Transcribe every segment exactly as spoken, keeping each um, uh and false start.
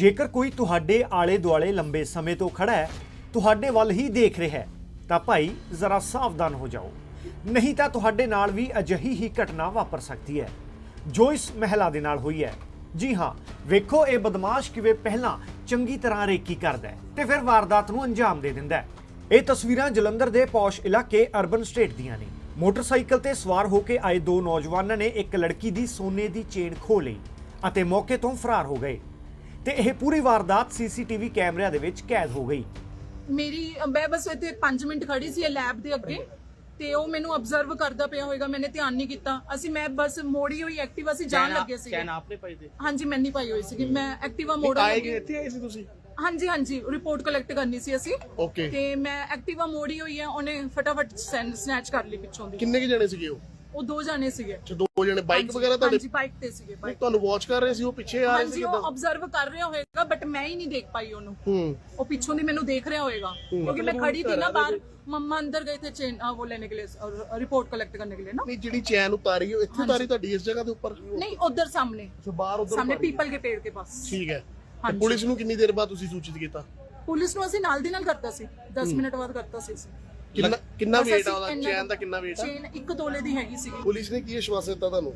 ਜੇਕਰ ਕੋਈ ਤੁਹਾਡੇ ਆਲੇ ਦੁਆਲੇ ਲੰਬੇ ਸਮੇਂ ਤੋਂ ਖੜਾ ਹੈ, ਤੁਹਾਡੇ ਵੱਲ ਹੀ ਦੇਖ ਰਿਹਾ ਹੈ, ਤਾਂ ਭਾਈ ਜ਼ਰਾ ਸਾਵਧਾਨ ਹੋ ਜਾਓ, ਨਹੀਂ ਤਾਂ ਤੁਹਾਡੇ ਨਾਲ ਵੀ ਅਜਿਹੀ ਹੀ ਘਟਨਾ ਵਾਪਰ ਸਕਦੀ ਹੈ ਜੋ ਇਸ ਮਹਿਲਾ ਦੇ ਨਾਲ ਹੋਈ ਹੈ। ਜੀ ਹਾਂ, ਵੇਖੋ ਇਹ ਬਦਮਾਸ਼ ਕਿਵੇਂ ਪਹਿਲਾਂ ਚੰਗੀ ਤਰ੍ਹਾਂ ਰੇਕੀ ਕਰਦਾ ਹੈ ਤੇ ਫਿਰ ਵਾਰਦਾਤ ਨੂੰ ਅੰਜਾਮ ਦੇ ਦਿੰਦਾ ਹੈ। ਇਹ ਤਸਵੀਰਾਂ ਜਲੰਧਰ ਦੇ ਪੌਸ਼ ਇਲਾਕੇ ਅਰਬਨ ਸਟੇਟ ਦੀਆਂ ਨੇ। ਮੋਟਰਸਾਈਕਲ ਤੇ ਸਵਾਰ ਹੋ ਕੇ ਆਏ ਦੋ ਨੌਜਵਾਨਾਂ ਨੇ ਇੱਕ ਲੜਕੀ ਦੀ ਸੋਨੇ ਦੀ ਚੇਨ ਖੋਹ ਲਈ ਅਤੇ ਮੌਕੇ ਤੋਂ ਫਰਾਰ ਹੋ ਗਏ ਤੇ ਇਹ ਪੂਰੀ ਵਾਰਦਾਤ ਸੀਸੀਟੀਵੀ ਕੈਮਰਿਆਂ ਦੇ ਵਿੱਚ ਕੈਦ ਹੋ ਗਈ। ਮੇਰੀ ਮੈਂ ਬਸ ਇੱਥੇ ਪੰਜ ਮਿੰਟ ਖੜੀ ਸੀ ਲੈਬ ਦੇ ਅੱਗੇ ਤੇ ਉਹ ਮੈਨੂੰ ਆਬਜ਼ਰਵ ਕਰਦਾ ਪਿਆ ਹੋਵੇਗਾ, ਮੈਨੇ ਧਿਆਨ ਨਹੀਂ ਕੀਤਾ। ਅਸੀਂ ਮੈਂ ਬਸ ਮੋੜੀ ਹੋਈ ਐਕਟਿਵਾ ਸੀ, ਜਾਣ ਲੱਗੇ ਸੀ। ਚੈਨ ਆਪਨੇ ਪਾਈ ਤੇ? ਹਾਂਜੀ ਮੈਂ ਨਹੀਂ ਪਾਈ ਹੋਈ ਸੀ, ਮੈਂ ਐਕਟਿਵਾ ਮੋੜ ਆਏ ਕਿ ਇੱਥੇ ਆਏ ਸੀ ਤੁਸੀਂ? ਹਾਂਜੀ ਹਾਂਜੀ ਰਿਪੋਰਟ ਕਲੈਕਟ ਕਰਨੀ ਸੀ ਅਸੀਂ। ਓਕੇ। ਤੇ ਮੈਂ ਐਕਟਿਵਾ ਮੋੜੀ ਹੋਈ ਹੈ, ਉਹਨੇ ਫਟਾਫਟ ਸਨੈਚ ਕਰ ਲਈ ਪਿੱਛੋਂ ਦੀ। ਕਿੰਨੇ ਕਿ ਜਣੇ ਸੀਗੇ ਉਹ? ਉਹ ਦੋ ਜਾਣੇ ਸੀਗੇ। ਅੱਛਾ, ਦੋ ਜਣੇ ਬਾਈਕ ਵਗੈਰਾ ਤੁਹਾਡੇ? ਹਾਂਜੀ ਬਾਈਕ ਤੇ ਸੀਗੇ। ਬਾਈਕ ਤੁਹਾਨੂੰ ਵਾਚ ਕਰ ਰਹੇ ਸੀ, ਉਹ ਪਿੱਛੇ ਆ ਰਹੇ ਸੀ ਹਾਂਜੀ ਕਿਦਾਂ? ਉਹ ਆਬਜ਼ਰਵ ਕਰ ਰਿਹਾ ਹੋਵੇਗਾ ਬਟ ਮੈਂ ਹੀ ਨਹੀਂ ਦੇਖ ਪਾਈ ਉਹਨੂੰ। ਹੂੰ। ਉਹ ਪਿੱਛੋਂ ਦੀ ਮੈਨੂੰ ਦੇਖ ਰਿਹਾ ਹੋਵੇਗਾ क्योंकि मैं खड़ी थी ना बाहर। मम्मा अंदर गए थे चेन वो लेने के लिए और रिपोर्ट कलेक्ट करने के लिए ना। ਨਹੀਂ, ਜਿਹੜੀ ਚੈਨ ਉਤਾਰੀ ਉਹ ਇੱਥੇ ਉਤਾਰੀ ਤੁਹਾਡੀ ਇਸ ਜਗ੍ਹਾ ਦੇ ਉੱਪਰ? नहीं उधर सामने ਅੱਛਾ, ਬਾਹਰ ਉਧਰ सामने पीपल के पेड़ के पास। ਠੀਕ ਹੈ। ਹਾਂਜੀ। ਪੁਲਿਸ ਨੂੰ ਕਿੰਨੀ ਦੇਰ ਬਾਅਦ ਤੁਸੀਂ ਸੂਚਿਤ ਕੀਤਾ? ਪੁਲਿਸ ਨੂੰ ਅਸੀਂ ਨਾਲ ਦੀ ਨਾਲ ਕਰਤਾ ਸੀ, ਦਸ ਮਿੰਟ ਬਾਅਦ ਕਰਤਾ ਸੀ ਅਸੀਂ। ਕਿੰਨਾ ਕਿੰਨਾ ਬਸ ਵੇਟ ਅਸੀਂ ਆ ਉਹਦਾ? ਇੰਨਾ- ਚੈਨ ਦਾ ਕਿੰਨਾ ਵੇਟ ਆ? ਚੇਨ ਇੱਕ ਤੋਲੇ ਦੀ ਹੈਗੀ ਸੀ। ਪੁਲਿਸ ਨੇ ਕੀ ਵਿਸ਼ਵਾਸ ਦਿੱਤਾ ਤੁਹਾਨੂੰ?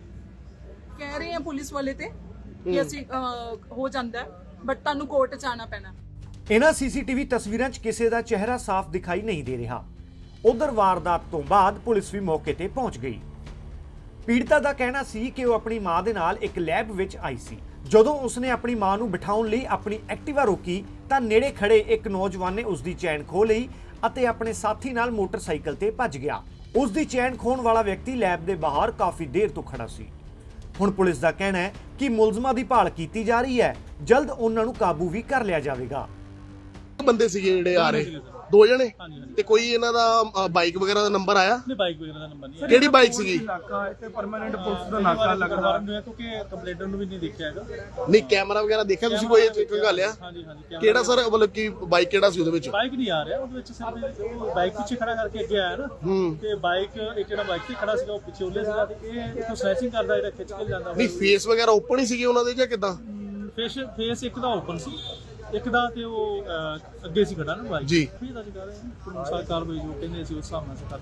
ਕਹਿ ਰਹੇ ਆ ਪੁਲਿਸ ਵਾਲੇ ਤੇ ਕਿ ਅਸੀਂ ਅਹ, ਹੋ ਜਾਂਦਾ ਬਟ ਤੁਹਾਨੂੰ ਕੋਰਟ ਚ ਆਣਾ ਪੈਣਾ। ਇਹਨਾਂ ਸੀਸੀਟੀਵੀ ਤਸਵੀਰਾਂ 'ਚ ਕਿਸੇ ਦਾ ਚਿਹਰਾ ਸਾਫ਼ ਦਿਖਾਈ ਨਹੀਂ ਦੇ ਰਿਹਾ। ਉਧਰ ਵਾਰਦਾਤ ਤੋਂ ਬਾਅਦ ਪੁਲਿਸ ਵੀ ਮੌਕੇ ਤੇ ਪਹੁੰਚ ਗਈ। ਪੀੜਤਾ ਦਾ ਕਹਿਣਾ ਸੀ ਕਿ ਉਹ ਆਪਣੀ ਮਾਂ ਦੇ ਨਾਲ ਇੱਕ ਲੈਬ ਵਿੱਚ ਆਈ ਸੀ। ਜਦੋਂ ਉਸਨੇ ਆਪਣੀ ਮਾਂ ਨੂੰ ਬਿਠਾਉਣ ਲਈ ਆਪਣੀ ਐਕਟਿਵਾ ਰੋਕੀ ਤਾਂ ਨੇੜੇ ਖੜੇ ਇੱਕ ਨੌਜਵਾਨ ਨੇ ਉਸ ਦੀ ਚੈਨ ਖੋਹ ਲਈ ਅਤੇ ਆਪਣੇ ਸਾਥੀ ਨਾਲ ਮੋਟਰਸਾਈਕਲ ਤੇ ਭੱਜ ਗਿਆ। ਉਸ ਦੀ ਚੈਨ ਖੋਹਣ ਵਾਲਾ ਵਿਅਕਤੀ ਲੈਬ ਦੇ ਬਾਹਰ ਕਾਫੀ ਦੇਰ ਤੋਂ ਖੜਾ ਸੀ। ਹੁਣ ਪੁਲਿਸ ਦਾ ਕਹਿਣਾ ਹੈ ਕਿ ਮੁਲਜ਼ਮਾਂ ਦੀ ਭਾਲ ਕੀਤੀ ਜਾ ਰਹੀ ਹੈ, ਜਲਦ ਉਹਨਾਂ ਨੂੰ ਕਾਬੂ ਵੀ ਕਰ ਲਿਆ ਜਾਵੇਗਾ। ਬੰਦੇ ਸੀਗੇ ਜਿਹੜੇ ਆ ਰਹੇ? ਦੋ ਜਣੇ? ਤੇ ਕੋਈ ਇਹਨਾਂ ਦਾ ਬਾਈਕ ਵਗੈਰਾ ਦਾ ਨੰਬਰ ਆਇਆ? ਨਹੀਂ, ਬਾਈਕ ਵਗੈਰਾ ਦਾ ਨੰਬਰ ਨਹੀਂ। ਕਿਹੜੀ ਬਾਈਕ ਸੀਗੀ? ਇਲਾਕਾ ਇੱਥੇ ਪਰਮਾਨੈਂਟ ਪੁਲਿਸ ਦਾ ਨਾਕਾ ਲੱਗਦਾ ਹੈ ਕਿਉਂਕਿ ਕੰਪਲੇਂਟਰ ਨੂੰ ਵੀ ਨਹੀਂ ਦੇਖਿਆ ਹੈਗਾ। ਨਹੀਂ, ਕੈਮਰਾ ਵਗੈਰਾ ਦੇਖਿਆ ਤੁਸੀਂ? ਕੋਈ ਇੱਕ ਗੱਲ ਆ? ਹਾਂਜੀ ਹਾਂਜੀ। ਕਿਹੜਾ ਸਰ, ਮਤਲਬ ਕਿ ਬਾਈਕ ਕਿਹੜਾ ਸੀ ਉਹਦੇ ਵਿੱਚ? ਬਾਈਕ ਨਹੀਂ ਆ ਰਿਹਾ ਉਹਦੇ ਵਿੱਚ, ਸਿਰਫ ਉਹ ਬਾਈਕ ਪਿੱਛੇ ਖੜਾ ਕਰਕੇ ਅੱਗੇ ਆਇਆ ਨਾ। ਹੂੰ। ਤੇ ਬਾਈਕ ਇੱਕ ਜਿਹੜਾ ਬਾਈਕ ਤੇ ਖੜਾ ਸੀਗਾ ਉਹ ਪਿੱਛੇ ਉਹਲੇ ਸੀਗਾ ਤੇ ਇਹ ਇਥੋਂ ਸਨੈਚਿੰਗ ਕਰਦਾ ਜਿਹੜਾ ਖਿੱਚ ਕੇ ਜਾਂਦਾ। ਨਹੀਂ, ਫੇਸ ਵਗੈਰਾ ਓਪਨ ਹੀ ਸੀਗੇ ਉਹਨਾਂ ਦੇ ਜਾਂ ਕਿਦਾਂ? ਫੇਸ ਫੇਸ ਇੱਕ ਦਾ ਓਪਨ ਸੀ, ਇੱਕ ਦਾ ਤੇ ਉਹ ਅਹ, ਅੱਗੇ ਸੀ ਖੜਾ ਨਾ ਬਾਈਕ ਜੀ। ਫਿਰ ਤਾਂ ਕਰ ਰਹੇ ਹਾਂ ਸਰਕਾਰ ਵੀ ਜੋ ਕਹਿੰਦੇ ਸੀ ਉਸ ਹਿਸਾਬ ਨਾਲ ਕਰ।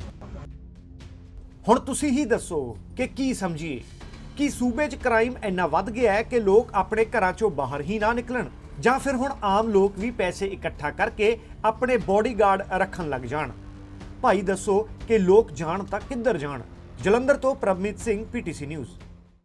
ਹੁਣ ਤੁਸੀਂ ਹੀ ਦੱਸੋ ਕਿ ਕੀ ਸਮਝੀਏ ਕਿ ਸੂਬੇ 'ਚ ਕ੍ਰਾਈਮ ਇੰਨਾ ਵੱਧ ਗਿਆ ਹੈ ਕਿ ਲੋਕ ਆਪਣੇ ਘਰਾਂ 'ਚੋਂ ਬਾਹਰ ਹੀ ਨਾ ਨਿਕਲਣ, ਜਾਂ ਫਿਰ ਹੁਣ ਆਮ ਲੋਕ ਵੀ ਪੈਸੇ ਇਕੱਠਾ ਕਰਕੇ ਆਪਣੇ ਬੋਡੀਗਾਰਡ ਰੱਖਣ ਲੱਗ ਜਾਣ। ਭਾਈ ਦੱਸੋ ਕਿ ਲੋਕ ਜਾਣ ਤਾਂ ਕਿੱਧਰ ਜਾਣ। ਜਲੰਧਰ ਤੋਂ ਪ੍ਰਭਮੀਤ ਸਿੰਘ, ਪੀਟੀਸੀ ਨਿਊਜ਼।